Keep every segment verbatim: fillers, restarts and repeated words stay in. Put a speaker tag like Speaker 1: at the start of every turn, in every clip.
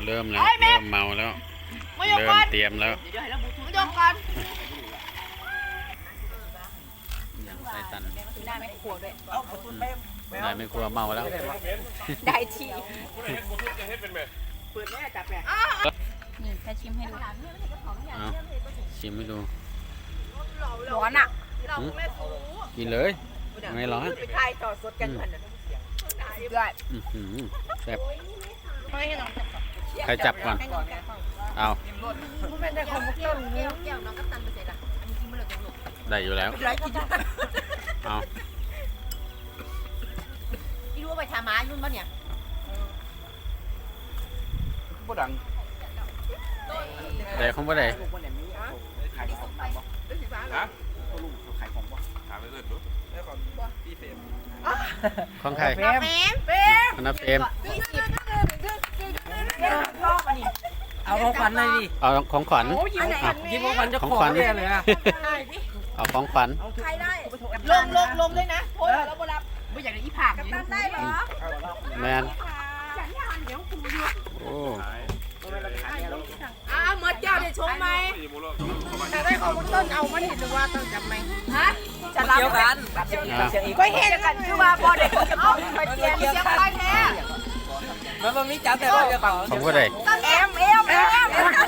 Speaker 1: ริ่มแล้วเริ่มเมาแล้วเริ่มเตรียมแล้ว
Speaker 2: ยกก่อน
Speaker 1: อย่างไส้ตัน
Speaker 2: ได้ไม่ครัวด้วย
Speaker 1: ได้ไม่ครัวเมาแล้ว
Speaker 2: ได้ที
Speaker 3: เปิดแม่จับแม่
Speaker 2: นี่จะชิมให้ดู
Speaker 1: เอาชิมให้ดู
Speaker 2: ร้อนอ่ะ
Speaker 1: กินเลยไม่ร้อน
Speaker 3: ไปถ่ายต่อสดกันเหมือน
Speaker 2: ด้วย
Speaker 1: แซ่บใครจับก่อนเอาได้อยู่แล้วเอา
Speaker 2: พี่รู้ไปทาม้ายุ่นป่ะเนี่ย
Speaker 3: บ่ดัง
Speaker 1: ได้ของบ่ได้
Speaker 3: ขายของบ่ฮะลูกเขาขายของบ่ถามไปเลยดูแล้วก่อนพี่เฟรม
Speaker 1: ของใคร
Speaker 2: เฟรมเฟรม
Speaker 1: นับเฟรม
Speaker 3: เอาของขวัญเลยดิ
Speaker 1: เอาของขวัญ
Speaker 3: ยิ้มของขวัญจะของขวัญเลยอ่ะ
Speaker 1: เอาของขวัญ
Speaker 2: ใครได้ลงลงลงด้วยนะโอ้ยเราบ่รับไม่อยากได้อีผักกัปตันได้เหรอ
Speaker 1: แมนโอ้
Speaker 2: อ้าวมดเจ้าได้ชมไหมจะได้ของมุต้นเอามันเห็นหรือว่าต้องจับไหมฮะจะรับกันก็เห็นกันคือว่าพอเด็กเอาไปเตียนเสียงไปแท้
Speaker 3: มันมันมีจับแต่ว่าจะของ
Speaker 1: ของก็ได้
Speaker 2: เอ็มเอ็มเอ็ม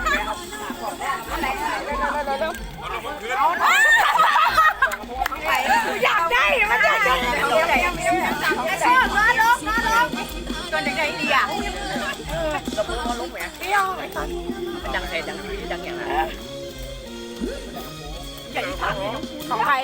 Speaker 2: เอาอยากได้มันอยากได้ไอ้ชอบนะลูกนะลูกตัวไหนได้ดีอ่ะ
Speaker 3: เราพูดว่าลูกแหวนเที่ยวดังเสร็จดังดังอย่างไร
Speaker 2: ใหญ่ถังของใคร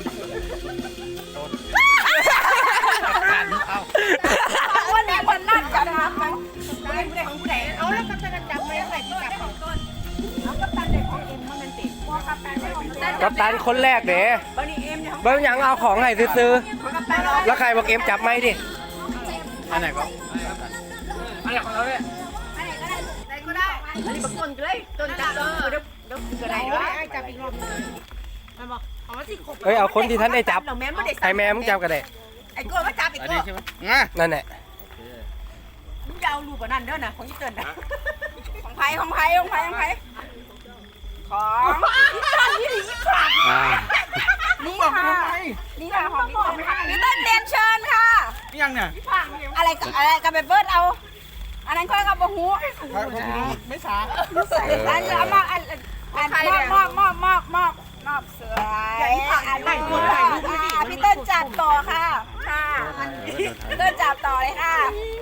Speaker 2: วันนี้วันนั่งจับนะมันผู้ใดผู้ใดของผู้ใดเอาแล้วกัปตันจับไหมใครที่จับของต้นเอากัปตันเด็กของเอ็มมันติดว่ากัปตันได้ของ
Speaker 4: กัปตันคนแรกเด้เบิ้งยังเอาของให้ซื้อแล้วใครบอกเอ็มจับไหมดิ
Speaker 1: อันไหนก็
Speaker 3: อันไหนของเราเนี่ย
Speaker 2: อันไหนก็ได้ไหนก็ได้อันนี้บักต้นก็ได้ต้นจับเออเดี๋ยวเดี๋ยวก็ได้ด้วยไอ้จับอีกรอบนึงมันบอกเอามาสิครบ
Speaker 4: เฮ้ยเอาคนที่ท่านได้จับใครแม่มึงจับกันได้
Speaker 2: ไอ้กล้วยมาจับอีกกล้วย
Speaker 4: นั่นแหละ
Speaker 2: มึงจะเอาลูกกับนั่นเด้อนะของยี่เติ้ลนะของไผ่ของไผ่ของไผ่ของไผ่ของนี่หลีผักนี่ค่ะนี่ค่ะของพี่เติ้ลเรียนเชิญค่ะ
Speaker 3: นี่ยังเนี่ย
Speaker 2: อะไรอะไรกับเบิร์ดเอาอันนั้นค่อยกับบะฮู
Speaker 3: ไม่ช้า
Speaker 2: อันนี้เอามาอันอันมอบมอบมอบมอบมอบเสืออันนี้พี่เติ้ลจัดต่อค่ะค่ะพี่เติ้ลจัดต่อเลยค่ะ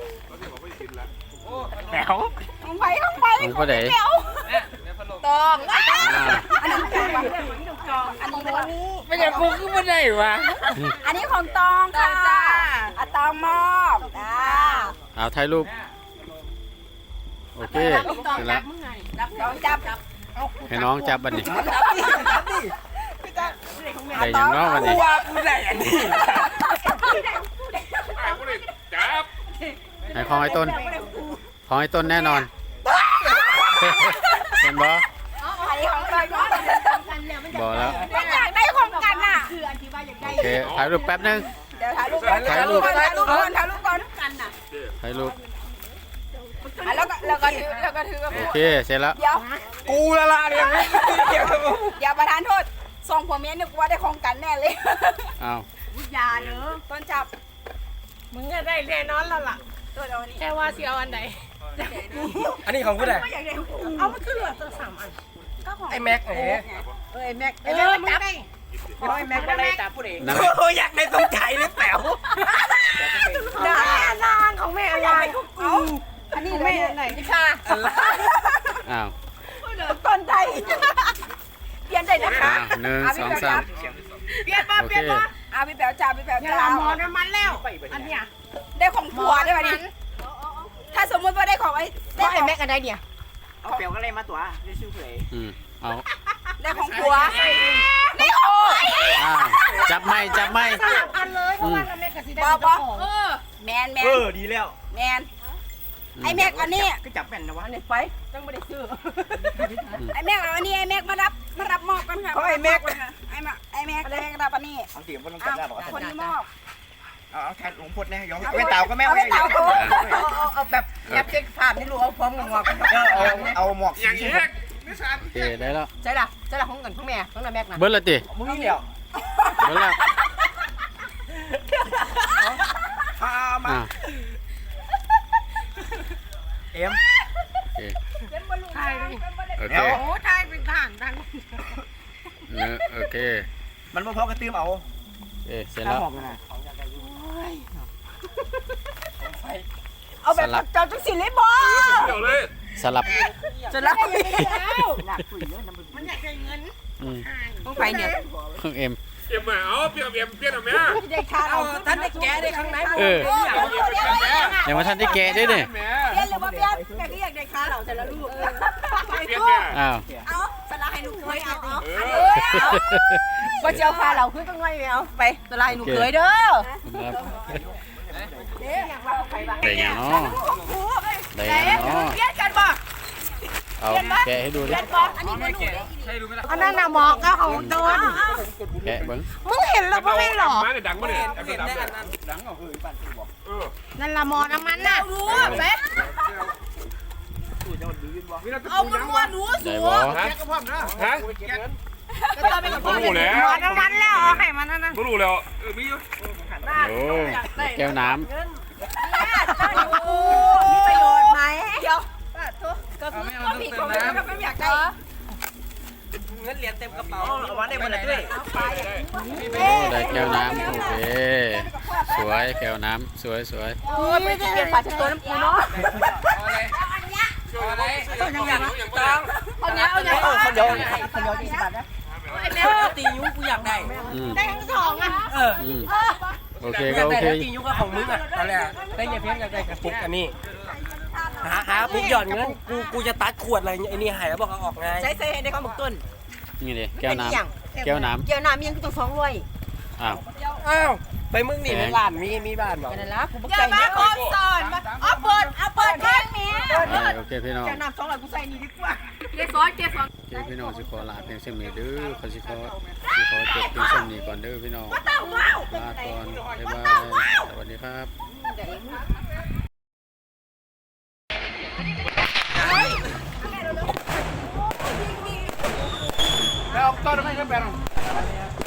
Speaker 3: แถว
Speaker 2: ของไผ่ของไผ่ของไผ่เดี๋ยวตองอันนี้ของตองอันนี้
Speaker 3: ไม่อยากกูขึ้นมาได้วะ
Speaker 2: อันนี้ของตองค่ะอะตองมอบอ่า
Speaker 1: เอาถ่ายรูปโอเคเสร็จแล้ว
Speaker 2: น้องจับ
Speaker 1: ให้น้องจับบันนี้ได้ยังน้องบันนี้ให้ของไอ้ต้นของไอ้ต้นแน่นอนเห็นบ่บอกแล้ว
Speaker 2: ไม่อยากได้ของกันอ่ะ
Speaker 1: โอเคถ่ายรูปแป๊บนึง
Speaker 2: เดี๋ยวถ่ายรูปถ่ายรูปถ่ายรูปก่อนถ่ายรูปก่อนกันอ่ะ
Speaker 1: ถ่ายรูป
Speaker 2: แล้วก็แล้วก็ถือแล้วก็ถือ
Speaker 1: โอเคเสร็จแล้ว
Speaker 2: เดี๋ยว
Speaker 3: กูละละเนี่ย
Speaker 2: อย่าประทานโทษสองผัวเมียนึกว่าได้ของกันแน่เลย
Speaker 1: อ้าว
Speaker 2: อย่าเนอะต้นจับ
Speaker 5: มึงก็ได้แน่นอนแล้วล่ะแค่ว่าสิเอาอันไหน
Speaker 4: อันนี้ของกูได้
Speaker 5: เอามาขึ้นเหลือตัวสามอัน
Speaker 4: ไอ้แม็กเอ๋
Speaker 2: เออไอ้แม็ก
Speaker 5: เออมึงได้
Speaker 3: ไอ้แม็กอะไรจับผู้เอง
Speaker 4: โอ้อยากได้ตรงใจหรือเปล่า
Speaker 5: นานนานของแม่อะไร
Speaker 2: เอาอันนี้แม่ไหนนี่ค่ะ
Speaker 1: อ้าว
Speaker 2: ต้นใจเปลี่ยนใจนะคะ
Speaker 1: หนึ่งสองสาม
Speaker 2: เปลี่ยนมาเปลี่ยนมาอ่ะพี่แป๋วจ่าพี่แป๋วจ่า
Speaker 5: หมอน้ำมันแล้วอันเนี้ย
Speaker 2: ได้ของผัวได้ไหมนี่ถ้าสมมติว่าได้ของไอ้ได้ไอ้แม็กอะไรเนี่ย
Speaker 3: เอาเปลวก็เลยมาตัวได้ชื่อเพลย์
Speaker 1: อืมเอา
Speaker 2: ได้ของผัวนี่โอ้ย
Speaker 1: จับไม่จับไม่
Speaker 5: อันเลยเพราะว่าแม็กกับสีแดงเออ
Speaker 2: แมนแมน
Speaker 3: เออดีแล้ว
Speaker 2: แมนไอ้แม็กอันนี้
Speaker 3: ก็จับแม่นนะวะ
Speaker 2: เนี่ยไปต้องไม่ได้ซื้อไอ้แม็กอันนี้ไอ้แม็กมารับมารับมอบกันค่ะ
Speaker 3: ไอ้แม็ก
Speaker 2: ไอ้แม็กไอ้แม็กไอ้แม็กรับอันนี้
Speaker 3: เอาเตี๋ยวบนลงจับได้บอกว่า
Speaker 2: คนที่มอบ
Speaker 3: เอาเอาแทนหลวงพ่อเนี่ยยองไม่เต่าก็แม่
Speaker 2: ไม่เต่าเอาเอาแบบยับเช็คภาพนี่ลูกเอาพร้อมกับหมวกเอาเอาหมวก
Speaker 3: อย่างนี้
Speaker 1: โอเคได้แล้ว
Speaker 2: ใช่ล่ะใช่ล่ะของเงินของแม่ของน้าแม็กนะ
Speaker 1: เบิ้ลละติ
Speaker 2: มึงนี่เดียว
Speaker 1: เบิ้ลละ
Speaker 2: พามา
Speaker 1: อ่า
Speaker 2: เอ็ม
Speaker 1: โอเค
Speaker 5: ทายดิ
Speaker 1: โอเค
Speaker 5: โอ้ทายเป็นทหารดัง
Speaker 1: เนอะโอเค
Speaker 2: มันบ่พอกระตื้มเอา
Speaker 1: โอเคเสร็จแล้ว
Speaker 2: เอาแบบเจ้าจังสิเลยบ่
Speaker 3: เดี๋ยวเลย
Speaker 1: สลับ
Speaker 2: จะรับ
Speaker 5: มันอยากได้เงิน
Speaker 1: อืม
Speaker 2: ต้องไปเนี่ย
Speaker 1: เครื่องเอ็ม
Speaker 3: เอ็มมาเอาเปลี่ยนเอ็มเปลี่ยนเอาไหม
Speaker 2: ได้คาเอาท่านได้แกได้ข้างใน
Speaker 1: เออยังมาทันได้แกะด้วยเนี่ย
Speaker 2: เปลี่ยนหรือว่าเปลี่ยนแม่ก็อยากได้คาเหล่าแต่ละลูก
Speaker 3: เปลี่ยนแม่
Speaker 1: อ้าว
Speaker 2: เอาสลายให้ลูกเคยเอาเอา
Speaker 3: เอ
Speaker 2: เอ
Speaker 3: อ
Speaker 2: อว่าจะเอาคาเหล่าขึ้นต้องไงเอาไปสลายหนูเคยเด้อ
Speaker 1: ครับ
Speaker 2: เด้อยากว่าเอาไปบ้าง
Speaker 1: ได้ยังเนาะได้ยังเนาะ
Speaker 2: เปลี่ยนกันบ่
Speaker 1: เอาแกะให้ดูดิ
Speaker 2: อันนี้มันลูก
Speaker 5: อันนั้นน่ะหมอกก็ของโดน
Speaker 1: แกะเบิ้ง
Speaker 5: มึงเห็นแล้วก็ไม่หรอ
Speaker 3: มาเนี่ยดังมาเนี่ยดังดังดังเออ
Speaker 5: นั่นละหมอน้ำมันน่ะ
Speaker 2: รู้ไหมเอามันมัวหนู
Speaker 1: ได้
Speaker 2: สู
Speaker 1: บ่
Speaker 3: ฮะฮะ
Speaker 2: ก็ต้องเป็น
Speaker 3: ไม่รู้แล้ว
Speaker 5: หมอน้ำมันแล้วเอาให้มันนั่นน่ะ
Speaker 3: ไม่รู้แล้วเออมีอยู่
Speaker 1: โอ้แก้วน้
Speaker 2: โอ้มีประโยชน์ไหมเดี๋ยวก็คือก็ผิดของเราก็ไม่อยากได้
Speaker 4: เงินเหรียญเต็มกระเป๋าเอามาได้หมดเลยด้วย
Speaker 1: ำโอ้ได้แก้วน้ำโอเคสวยแก้วน้ำสวยสวย
Speaker 2: โอ้ยไม่เปลี่ยนฝาเช็ดตัวน้ำปูเนาะ
Speaker 3: ต้องยังอย่างอย่างบ้าง
Speaker 2: เอาเนี้ยเอาเนี้ย
Speaker 4: คนเดียว
Speaker 2: คนเดียวยี่สิบบาทนะ
Speaker 4: แม่ตียุกูอยากได้
Speaker 1: อืม
Speaker 5: ได้ทั้งสองอ่ะ
Speaker 4: เออ
Speaker 1: อืมโอเค
Speaker 4: อยา
Speaker 1: ก็
Speaker 4: ก
Speaker 1: โอ
Speaker 4: ได้
Speaker 1: เค
Speaker 4: ตียุก็ของมึงอ่ะนั่นแหละได้ยายเพี้ยนอยากได้กระปุกอันนี้หาหาปุ๊บหย่อนเงินกูกูจะตัดขวดอะไรไอ้นี่หายแล้วบอกเอาออกไง
Speaker 2: ใช้ใช้ในข้าวหมกต้น
Speaker 1: นี่ดิแก้วน้ำแก้วน้
Speaker 2: เกี่ยวน้ำยังต้องสองร้อย
Speaker 1: ำอ้าว
Speaker 4: อ้าวไปมึงนี่ในร้านมีมีบ้านบอก
Speaker 2: นั่นละกูบอกใจเนี่ยโอนสอนมาเอาเปิดเอาเปิดแท่งนี้
Speaker 1: โอเคพี่น้อง
Speaker 2: เกี่ยวน้ำสองร้อยกูใส่นี่ดีกว่า
Speaker 5: เกสรเกสร
Speaker 1: โอเคพี่น้องสิขอลาเพียงเช่นนี้เด้อขอสิขอสิขอจบเพียงเช่นนี้ก่อนเด้อพี่น้องลาก่อนบ๊ายบายสวัสดีครับ
Speaker 3: แล้วต้นไม่ก็แบน